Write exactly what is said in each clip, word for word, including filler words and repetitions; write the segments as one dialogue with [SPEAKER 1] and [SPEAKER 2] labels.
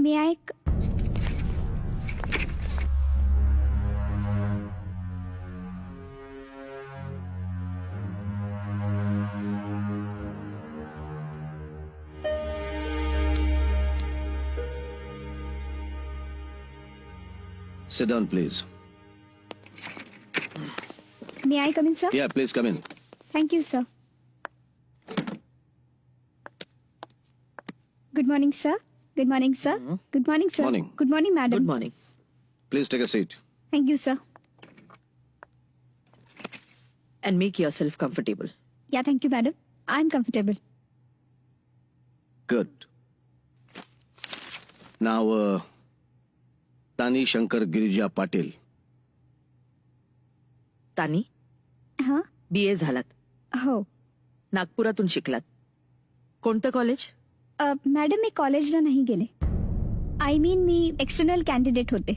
[SPEAKER 1] मी ऐक
[SPEAKER 2] Sit down, please.
[SPEAKER 1] May I come in, sir?
[SPEAKER 2] Yeah, please come in.
[SPEAKER 1] Thank you, sir. Good morning, sir. Good morning, sir. Good morning, sir.
[SPEAKER 2] Morning.
[SPEAKER 1] Good morning, madam.
[SPEAKER 3] Good morning.
[SPEAKER 2] Please take a seat.
[SPEAKER 1] Thank you, sir.
[SPEAKER 3] And make yourself comfortable.
[SPEAKER 1] Yeah, thank you, madam. I'm comfortable.
[SPEAKER 2] Good. Now, uh, Tani Shankar Girija Patil.
[SPEAKER 3] तानी
[SPEAKER 1] हां
[SPEAKER 3] बी ए झालात,
[SPEAKER 1] हो
[SPEAKER 3] नागपुरातून शिकलात. कोणतं college?
[SPEAKER 1] अ, madam मी कॉलेजला नाही गेले. I mean मी एक्सटर्नल कॅन्डिडेट होते.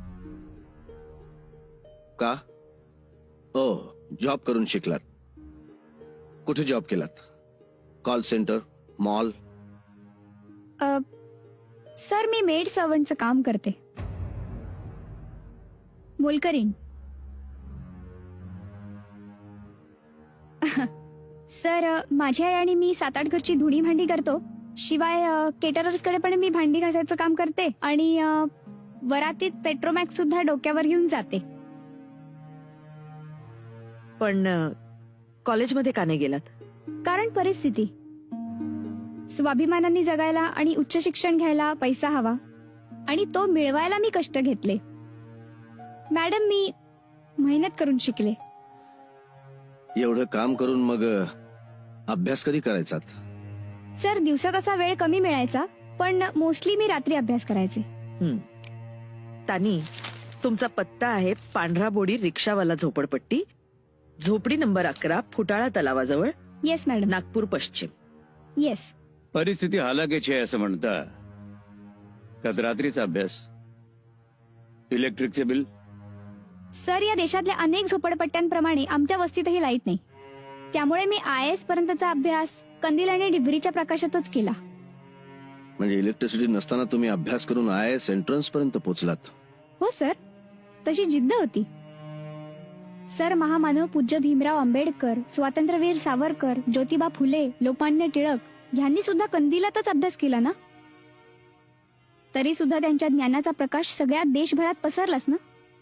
[SPEAKER 2] का? ओ, जॉब करून शिकलात. कुठे जॉब केलात? Call centre, mall?
[SPEAKER 1] अ, सर मी मेड सर्वंटचं काम करते. मोलकरीण. सर अ, माझी आई आणि मी सात आठ घरची धुणी भांडी करतो. शिवाय केटरर्सकडे पण मी भांडी घासायचं काम करते आणि अ, वरातीत पेट्रोमॅक्स सुद्धा डोक्यावर घेऊन जाते.
[SPEAKER 3] पण अ, कॉलेजमध्ये का नाही गेलात?
[SPEAKER 1] कारण परिस्थिती. स्वाभिमानाने जगायला आणि उच्च शिक्षण घ्यायला पैसा हवा आणि तो मिळवायला मी कष्ट घेतले. मॅडम मी मेहनत करून शिकले.
[SPEAKER 2] एवढं काम करून मग अ, अभ्यास कधी करायचात?
[SPEAKER 1] सर दिवसात असा वेळ कमी मिळायचा पण मोस्टली मी रात्री अभ्यास करायचे.
[SPEAKER 3] हं. तानी, तुमचा पत्ता आहे पांढरा बोडी रिक्षावाला झोपडपट्टी, झोपडी नंबर अकरा, फुटाळा तलावाजवळ,
[SPEAKER 1] येस मॅडम.
[SPEAKER 3] नागपूर पश्चिम.
[SPEAKER 1] येस.
[SPEAKER 4] परिस्थिती हालाकीची आहे असं म्हणता. त्यात रात्रीचा अभ्यास, इलेक्ट्रिकचे बिल.
[SPEAKER 1] सर या देशातल्या अनेक झोपडपट्ट्यांप्रमाणे आमच्या वस्तीतही लाईट नाही. त्यामुळे मी आय एस पर्यंतचा अभ्यास कंदील आणि डिबरीच्या प्रकाशातच केला.
[SPEAKER 2] म्हणजे इलेक्ट्रिसिटी नसताना तुम्ही अभ्यास करून आय एस एंट्रन्स पर्यंत पोहोचलात?
[SPEAKER 1] हो सर, तशी जिद्द होती. सर महामानव पूज्य भीमराव आंबेडकर, स्वातंत्र्यवीर सावरकर, ज्योतिबा फुले, लोकमान्य टिळक यांनी सुद्धा कंदिलातच अभ्यास केला ना. तरी सुद्धा त्यांच्या ज्ञानाचा प्रकाश सगळ्या देशभरात पसरलाच ना.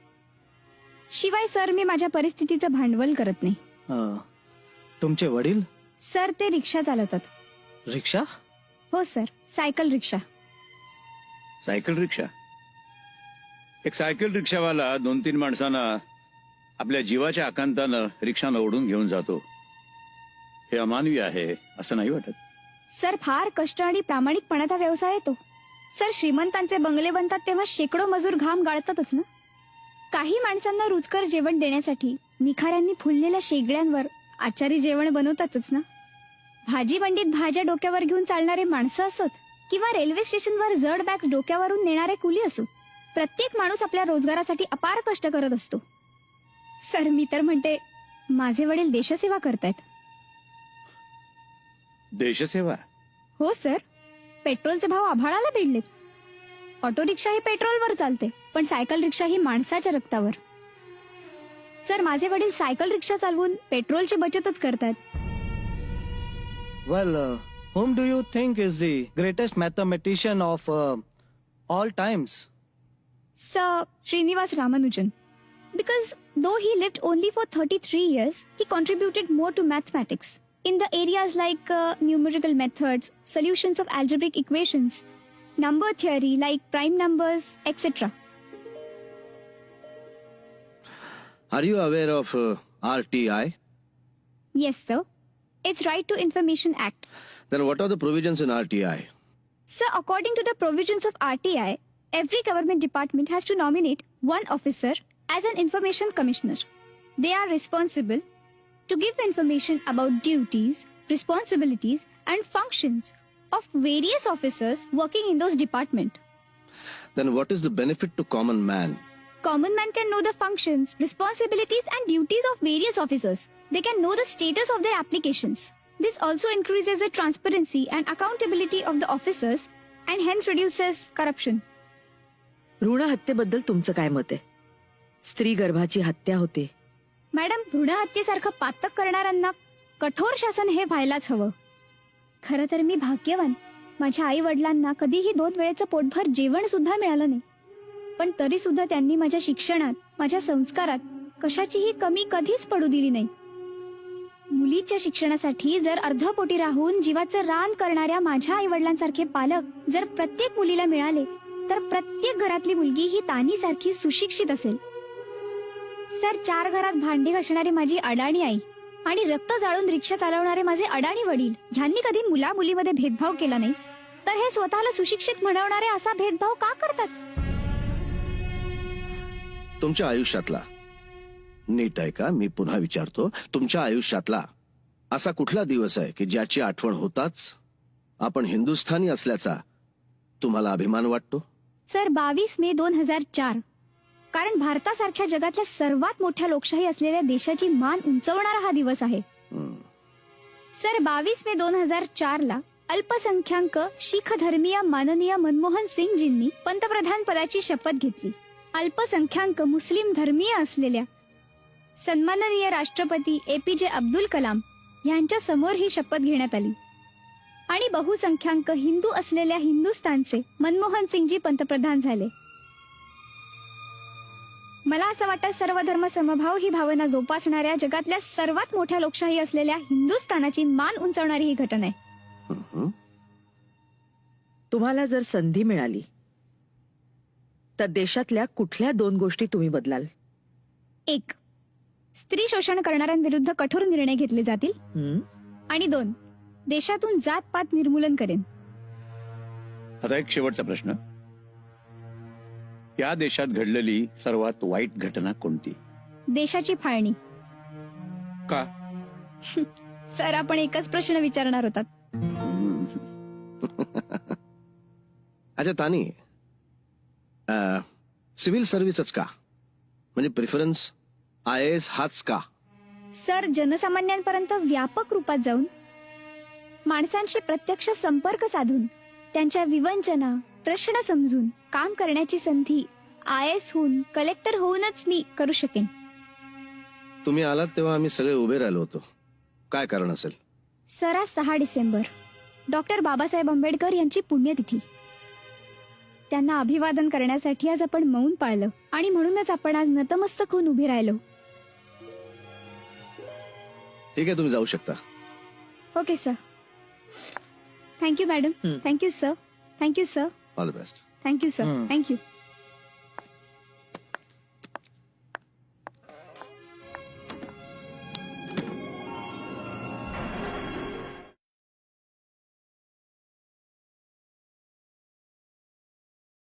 [SPEAKER 1] शिवाय सर मी माझ्या परिस्थितीचं भांडवल करत नाही.
[SPEAKER 5] अं, तुमचे वडील
[SPEAKER 1] सर ते रिक्षा चालवतात.
[SPEAKER 5] रिक्षा?
[SPEAKER 1] हो sir, cycle rickshaw.
[SPEAKER 4] Cycle rickshaw? एक सायकल रिक्षावाला दोन तीन माणसांना आपल्या जीवाच्या आकांतानं रिक्षानं ओढून घेऊन जातो. हे अमानवी आहे असं नाही वाटत?
[SPEAKER 1] सर फार कष्ट आणि प्रामाणिकपणाचा व्यवसाय आहे तो. सर श्रीमंतांचे बंगले बनतात तेव्हा शेकडो मजूर घाम गाळतातच ना. काही माणसांना रुचकर जेवण देण्यासाठी निखाऱ्यांनी फुललेल्या शेगड्यांवर आचारी जेवण बनवतातच ना. भाजी मंडीत भाज्या डोक्यावर घेऊन चालणारे माणसं असोत किंवा रेल्वे स्टेशनवर जड बॅग डोक्यावरून नेणारे कुली असोत, प्रत्येक माणूस आपल्या रोजगारासाठी अपार कष्ट करत असतो. सर मी तर म्हणते माझे वडील देशसेवा करतायत.
[SPEAKER 4] देशसेवा?
[SPEAKER 1] हो सर, पेट्रोलचे भाव आभाळाला भिडलेत. ऑटो रिक्षा ही पेट्रोलवर चालते पण सायकल रिक्षा ही माणसाच्या रक्तावर. सर माझे वडील सायकल रिक्षा चालवून पेट्रोलची बचतच करतात.
[SPEAKER 5] Well, whom do you think is the greatest mathematician of uh, all times?
[SPEAKER 1] Sir, Srinivas Ramanujan. Because though he lived only for thirty-three years, he contributed more to mathematics in the areas like uh, numerical methods, solutions of algebraic equations, number theory like prime numbers, et cetera.
[SPEAKER 2] Are you aware of uh, R T I?
[SPEAKER 1] Yes, sir. It's Right to Information Act.
[SPEAKER 2] Then what are the provisions in R T I?
[SPEAKER 1] Sir, according to the provisions of R T I, every government department has to nominate one officer as an information commissioner. They are responsible to give information about duties, responsibilities, and functions of various officers working in those departments.
[SPEAKER 2] Then what is the benefit to common man?
[SPEAKER 1] Common man can know the functions, responsibilities, and duties of various officers. They can know the status of their applications. This also increases the transparency and accountability of the officers and hence reduces corruption.
[SPEAKER 3] भ्रूण हत्येबद्दल तुमचं काय मत आहे? स्त्री गर्भाची हत्या होते.
[SPEAKER 1] मॅडम, भ्रूण हत्येसारखं पातक करणाऱ्यांना कठोर शासन हे व्हायलाच हवं. खरं तर मी भाग्यवान. माझ्या आई वडिलांना कधीही दोन वेळेचं पोटभर जेवण सुद्धा मिळालं नाही. पण तरी सुद्धा त्यांनी माझ्या शिक्षणात, माझ्या संस्कारात कशाचीही कमी कधीच पडू दिली नाही. मुलीच्या शिक्षणासाठी जर अर्धपोटी राहून जीवाचं रान करणाऱ्या माझ्या आई वडिलांसारखे पालक जर प्रत्येक मुलीला मिळाले तर प्रत्येक घरातली मुलगी ही तानीसारखी सुशिक्षित असेल. सर, चार घरात भांडी घासणारी माझी अडाणी आई आणि रक्त जाळून रिक्षा चालवणारे माझे अडाणी वडील ह्यांनी कधी मुला मुलीमध्ये भेदभाव केला नाही, तर हे स्वतःला सुशिक्षित म्हणवणारे असा भेदभाव का करतात?
[SPEAKER 2] तुमच्या आयुष्यातला, नीट आहे का, मी पुन्हा विचारतो, तुमच्या आयुष्यातला असा कुठला दिवस आहे की ज्याची आठवण होताच आपण हिंदुस्थानी असल्याचा तुम्हाला अभिमान वाटतो?
[SPEAKER 1] सर, बावीस मे दोन हजार चार. कारण भारतासारख्या जगातल्या सर्वात मोठ्या लोकशाही असलेल्या देशाची मान उंचवणारा हा दिवस आहे.
[SPEAKER 2] हम्म.
[SPEAKER 1] सर, बावीस मे दोन हजार चार ला अल्पसंख्याक शीख धर्मीय माननीय मनमोहन सिंगजींनी पंतप्रधान पदाची शपथ घेतली. अल्पसंख्याक मुस्लिम धर्मीय असलेल्या सन्माननीय राष्ट्रपती ए पी जे अब्दुल कलाम यांच्या समोर ही शपथ घेण्यात आली. आणि बहुसंख्याक हिंदू असलेल्या हिंदुस्थानचे मनमोहन सिंगजी पंतप्रधान झाले. मला असं वाटतं सर्व धर्म समभाव ही भावना जोपासणाऱ्या जगातल्या सर्वात मोठ्या लोकशाही असलेल्या हिंदुस्थानाची मान उंचावणारी ही घटना आहे.
[SPEAKER 2] हम्म.
[SPEAKER 3] तुम्हाला जर संधी मिळाली तर देशातल्या कुठल्या दोन गोष्टी तुम्ही बदलाल?
[SPEAKER 1] एक, स्त्री शोषण करणाऱ्यांविरुद्ध कठोर निर्णय घेतले जातील.
[SPEAKER 3] हं?
[SPEAKER 1] आणि दोन, देशातून जात-पात निर्मूलन करेन.
[SPEAKER 4] आता एक शेवटचा प्रश्न. या देशात घडलेली सर्वात वाईट घटना कोणती?
[SPEAKER 1] देशाची फाळणी.
[SPEAKER 4] का?
[SPEAKER 1] सर, आपण एकच प्रश्न विचारणार होतात.
[SPEAKER 2] अच्छा तानी, सिव्हिल सर्व्हिसच का? म्हणजे प्रिफरन्स आय एस हाच का?
[SPEAKER 1] सर, जनसामान्यांपर्यंत व्यापक रूपात जाऊन माणसांशी प्रत्यक्ष संपर्क साधून त्यांच्या विवंचना, प्रश्न समजून काम करण्याची संधी आय एस होऊन, कलेक्टर होऊनच मी करू शकेन.
[SPEAKER 2] तुम्ही आलात तेव्हा आम्ही सगळे उभे राहिलो होतो. काय कारण असेल?
[SPEAKER 1] सर, आज सहा डिसेंबर डॉक्टर बाबासाहेब आंबेडकर यांची पुण्यतिथी. त्यांना अभिवादन करण्यासाठी आज आपण मौन पाळलं आणि म्हणूनच आपण आज नतमस्तक होऊन उभे राहिलो.
[SPEAKER 2] ठीक आहे, तुम्ही जाऊ शकता.
[SPEAKER 1] Okay sir. Thank you madam.
[SPEAKER 3] हं.
[SPEAKER 1] Thank you sir. Thank you sir.
[SPEAKER 2] All the best.
[SPEAKER 1] Thank you sir.
[SPEAKER 5] हं.
[SPEAKER 1] थँक्यू.